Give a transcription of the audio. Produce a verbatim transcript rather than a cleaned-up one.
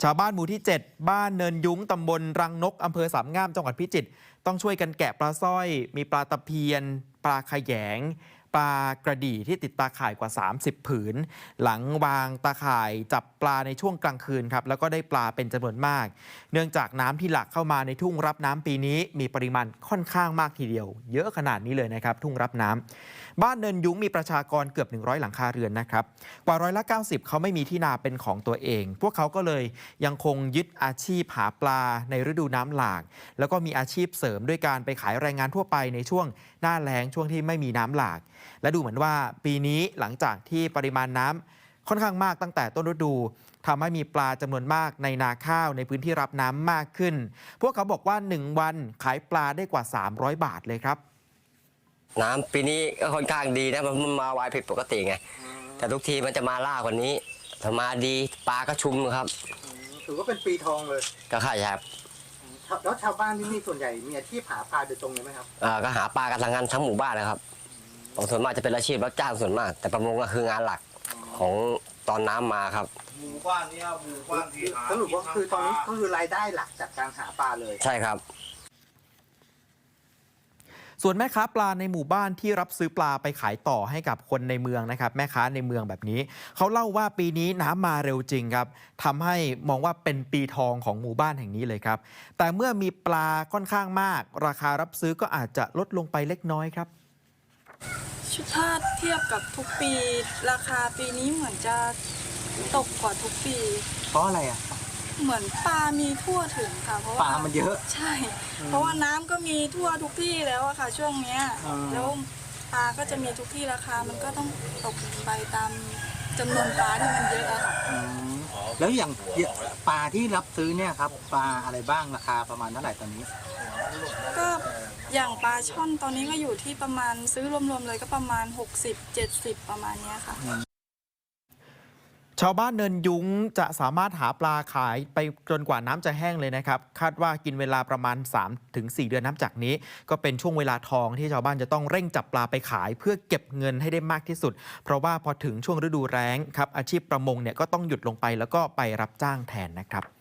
ชาวบ้านหมู่ที่ เจ็ด บ้านเนินยุ้งตำบลรังนกอำเภอสามงามจังหวัดพิจิตรต้องช่วยกันแกะปลาสร้อยมีปลาตะเพียนปลาขยงปลากระดี่ที่ติดตาข่ายกว่าสามสิบผืนหลังวางตาข่ายจับปลาในช่วงกลางคืนครับแล้วก็ได้ปลาเป็นจำนวนมากเนื่องจากน้ำที่หลากเข้ามาในทุ่งรับน้ำปีนี้มีปริมาณค่อนข้างมากทีเดียวเยอะขนาดนี้เลยนะครับทุ่งรับน้ำบ้านเนินยุ้งมีประชากรเกือบหนึ่งร้อยหลังคาเรือนนะครับกว่าร้อยละเก้าสิบเขาไม่มีที่นาเป็นของตัวเองพวกเขาก็เลยยังคงยึดอาชีพหาปลาในฤดูน้ำหลากแล้วก็มีอาชีพเสริมด้วยการไปขายแรงงานทั่วไปในช่วงหน้าแล้งช่วงที่ไม่มีน้ำหลากและดูเหมือนว่าปีนี้หลังจากที่ปริมาณน้ำค่อนข้างมากตั้งแต่ต้นฤดูทำให้มีปลาจำนวนมากในนาข้าวในพื้นที่รับน้ำมากขึ้นพวกเขาบอกว่าหนึ่งวันขายปลาได้กว่าสามร้อยบาทเลยครับน้ำปีนี้ก็ค่อนข้างดีนะมันมาไวผิดปกติไงแต่ทุกทีมันจะมาล่ากว่านี้ถ้ามาดีปลาก็ชุมครับถือว่าเป็นปีทองเลยก็ใช่ครับแล้วชาวบ้านที่นี่ส่วนใหญ่มีอาชีพหาปลาโดยตรงเลยไหมครับอ่าก็หาปลากันทางงานทั้งหมู่บ้านเลยครับส่วนมากจะเป็นอาชีพรับจ้างส่วนมากแต่ประมงก็คืองานหลักของตอนน้ำมาครับหมู่บ้านนี้หมู่บ้านที่หาสรุปว่าคือตอนนี้ก็คือรายได้หลักจากการหาปลาเลยใช่ครับส่วนแม่ค้าปลาในหมู่บ้านที่รับซื้อปลาไปขายต่อให้กับคนในเมืองนะครับแม่ค้าในเมืองแบบนี้เขาเล่าว่าปีนี้น้ำมาเร็วจริงครับทำให้มองว่าเป็นปีทองของหมู่บ้านแห่งนี้เลยครับแต่เมื่อมีปลาค่อนข้างมากราคารับซื้อก็อาจจะลดลงไปเล็กน้อยครับถ้าเทียบกับทุกปีราคาปีนี้เหมือนจะตกกว่าทุกปีเพราะอะไรอ่ะเหมือนปลามีทั่วถึงค่ะเพราะว่าปลามันเยอะใช่เพราะว่าน้ำก็มีทั่วทุกที่แล้วอะค่ะช่วงเนี้ยแล้วปลาก็จะมีทุกที่ราคามันก็ต้องตกไปตามจำนวนปลาที่มันเยอะอะค่ะแล้วอย่างปลาที่รับซื้อเนี่ยครับปลาอะไรบ้างราคาประมาณเท่าไหร่ตอนนี้ก็อย่างปลาช่อนตอนนี้ก็อยู่ที่ประมาณซื้อรวมๆเลยก็ประมาณหกสิบ เจ็ดสิบประมาณนี้ค่ะชาวบ้านเนินยุ้งจะสามารถหาปลาขายไปจนกว่าน้ำจะแห้งเลยนะครับคาดว่ากินเวลาประมาณ สามถึงสี่ เดือนนับจากนี้ก็เป็นช่วงเวลาทองที่ชาวบ้านจะต้องเร่งจับปลาไปขายเพื่อเก็บเงินให้ได้มากที่สุดเพราะว่าพอถึงช่วงฤดูแล้งครับอาชีพประมงเนี่ยก็ต้องหยุดลงไปแล้วก็ไปรับจ้างแทนนะครับ